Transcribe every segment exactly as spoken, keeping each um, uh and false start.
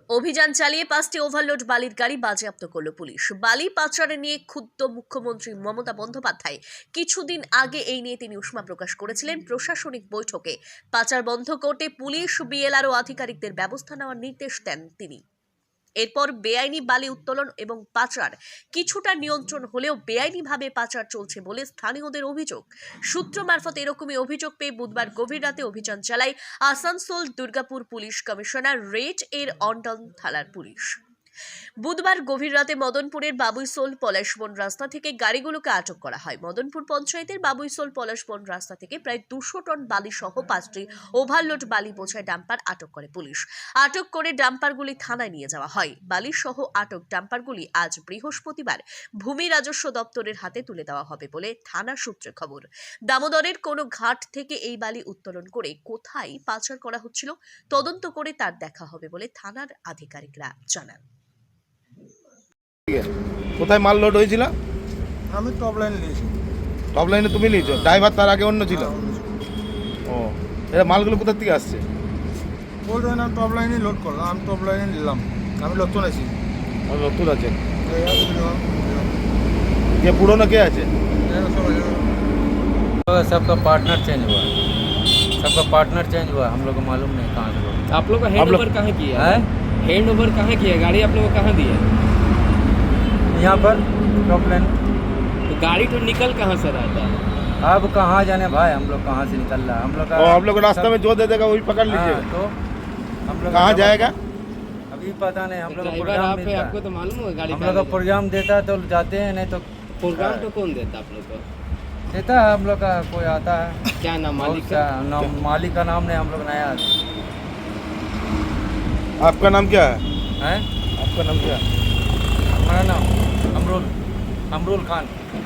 অভিযান চালিয়ে পাঁচটি ওভারলোড বালির গাড়ি বাজেয়াপ্ত করল পুলিশ। বালি পাচারে নিয়ে ক্ষুব্ধ মুখ্যমন্ত্রী মমতা বন্দ্যোপাধ্যায় কিছুদিন আগে এই নিয়ে তিনি উষ্মা প্রকাশ করেছিলেন প্রশাসনিক বৈঠকে। পাচার বন্ধ করতে পুলিশ, বিএলআরও আধিকারিকদের ব্যবস্থা নেওয়ার নির্দেশ দেন তিনি। এরপর বেআইনি বালি উত্তোলন এবং পাচার কিছুটা নিয়ন্ত্রণ হলেও বেআইনিভাবে পাচার চলছে বলে স্থানীয়দের অভিযোগ। সূত্র মারফত এরকমই অভিযোগ পেয়ে বুধবার গভীর রাতে অভিযান চালায় Asansol Durgapur police commissionerate এর অন্ডাল থানার পুলিশ। বুধবার গভীর রাতে মদনপুরের বাবুইসোল পলাশবন রাস্তা থেকে গাড়িগুলোকে আটক করা হয়। মদনপুর পঞ্চায়েতের বাবুইসোল পলাশবন রাস্তা থেকে প্রায় দুশো টন বালি সহ পাঁচটি ওভারলোড বালি বোঝাই ডাম্পার আটক করে পুলিশ। আটক করে ডাম্পারগুলি থানায় নিয়ে যাওয়া হয়। বালি সহ আটক ডাম্পারগুলি আজ বৃহস্পতিবার ভূমি রাজস্ব দপ্তরের হাতে তুলে দেওয়া হবে বলে থানা সূত্রে খবর। দামোদরের কোনো ঘাট থেকে এই বালি উত্তোলন করে কোথায় পাচার করা হচ্ছিল তদন্ত করে তার দেখা হবে বলে থানার আধিকারিকরা জানান। কোথায় মাল লোড হয়েছিল? আমি টপ লাইন নিয়েছি। টপ লাইনে তুমি নিয়েছো? ড্রাইভার তার আগে অন্য ছিল? ও, এটা মালগুলো কোথা থেকে আসছে? বলতে না, টপ লাইনে লোড করলাম, আমি টপ লাইনে নিলাম। আমি নতুন আছি। নতুন আছে? কে পুরনো কে আছে? सबका पार्टनर चेंज हुआ सबका पार्टनर चेंज हुआ हम लोग को मालूम नहीं कहाँ से लोग। आप लोग का हैंड ओवर कहाँ किया है? हैंड ओवर कहाँ किया? गाड़ी आप लोग को कहाँ दी है? यहाँ पर टॉप लाइन। तो गाड़ी तो निकल कहाँ से रहा था? अब कहाँ जाने भाई, हम लोग कहाँ से निकल रहा है हम लोग का। और हम लोग रास्ते में जो दे देगा वही पकड़ लीजिए। तो हम लोग कहाँ जाएगा अभी पता नहीं। हम लोग का ड्राइवर प्रोग्राम आप है, देता आपको तो मालूम होगा गाड़ी हम लोग का प्रोग्राम देता है तो जाते हैं, नहीं तो प्रोग्राम तो कौन देता आप लोग को? देता है हम लोग का कोई आता है। क्या नाम मालिक का का? नाम मालिक का नाम नहीं, हम लोग नया आपका नाम क्या है? है। आपका नाम क्या है? हमारा नाम अमरुल अमरुल खान।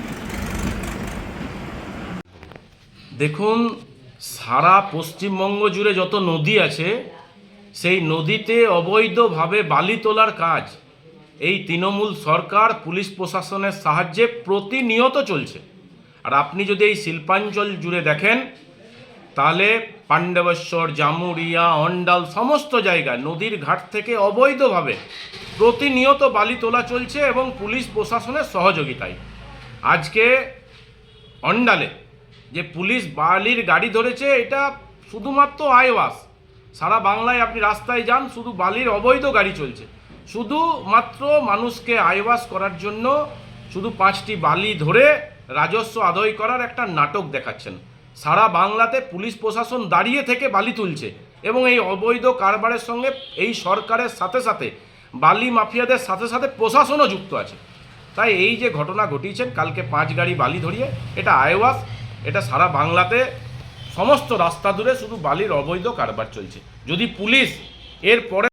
দেখুন, সারা পশ্চিমবঙ্গ জুড়ে যত নদী আছে সেই নদীতে অবৈধভাবে বালি তোলার কাজ এই তৃণমূল সরকার পুলিশ প্রশাসনের সাহায্যে প্রতিনিয়ত চলছে। আর আপনি যদি এই শিল্পাঞ্চল জুড়ে দেখেন তাহলে পাণ্ডবেশ্বর, জামুরিয়া, অন্ডাল সমস্ত জায়গায় নদীর ঘাট থেকে অবৈধভাবে প্রতিনিয়ত বালি তোলা চলছে এবং পুলিশ প্রশাসনের সহযোগিতায়। আজকে অন্ডালে যে পুলিশ বালির গাড়ি ধরেছে এটা শুধুমাত্র আইওয়াস। সারা বাংলায় আপনি রাস্তায় যান শুধু বালির অবৈধ গাড়ি চলছে। শুধুমাত্র মানুষকে আইওয়াস করার জন্য শুধু পাঁচটি বালি ধরে রাজস্ব আদায় করার একটা নাটক দেখাচ্ছেন। সারা বাংলাতে পুলিশ প্রশাসন দাঁড়িয়ে থেকে বালি তুলছে এবং এই অবৈধ কারবারের সঙ্গে এই সরকারের সাথে সাথে বালি মাফিয়াদের সাথে সাথে প্রশাসনও যুক্ত আছে। তাই এই যে ঘটনা ঘটিয়েছেন কালকে পাঁচ গাড়ি বালি ধরিয়ে, এটা আইওয়াস। এটা সারা বাংলাতে সমস্ত রাস্তা ধরে শুধু বালির অবৈধ কারবার চলছে। যদি পুলিশ এর পরে